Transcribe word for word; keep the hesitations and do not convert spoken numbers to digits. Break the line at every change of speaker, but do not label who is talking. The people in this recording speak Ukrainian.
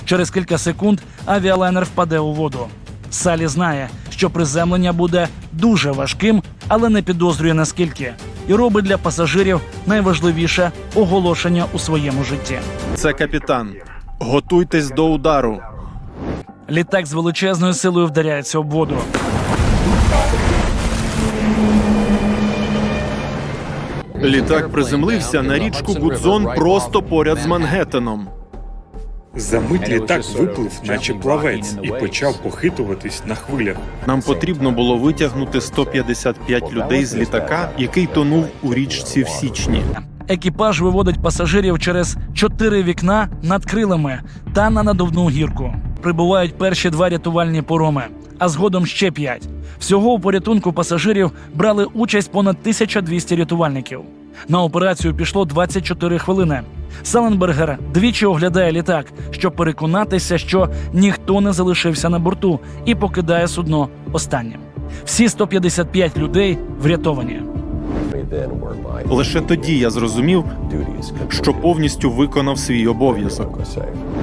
Через кілька секунд авіалайнер впаде у воду. Салі знає, що приземлення буде дуже важким, але не підозрює наскільки. І робить для пасажирів найважливіше оголошення у своєму житті.
Це капітан. Готуйтесь до удару.
Літак з величезною силою вдаряється об воду.
Літак приземлився на річку Гудзон просто поряд з Мангеттеном.
За літак виплив, наче плавець, і почав похитуватись на хвилях.
Нам потрібно було витягнути сто п'ятдесят п'ять людей з літака, який тонув у річці в січні.
Екіпаж виводить пасажирів через чотири вікна над крилами та на надувну гірку. Прибувають перші два рятувальні пароми, а згодом ще п'ять. Всього у порятунку пасажирів брали участь понад тисяча двісті рятувальників. На операцію пішло двадцять чотири хвилини. Саленбергер двічі оглядає літак, щоб переконатися, що ніхто не залишився на борту, і покидає судно останнім. Всі сто п'ятдесят п'ять людей врятовані.
Лише тоді я зрозумів, що повністю виконав свій обов'язок.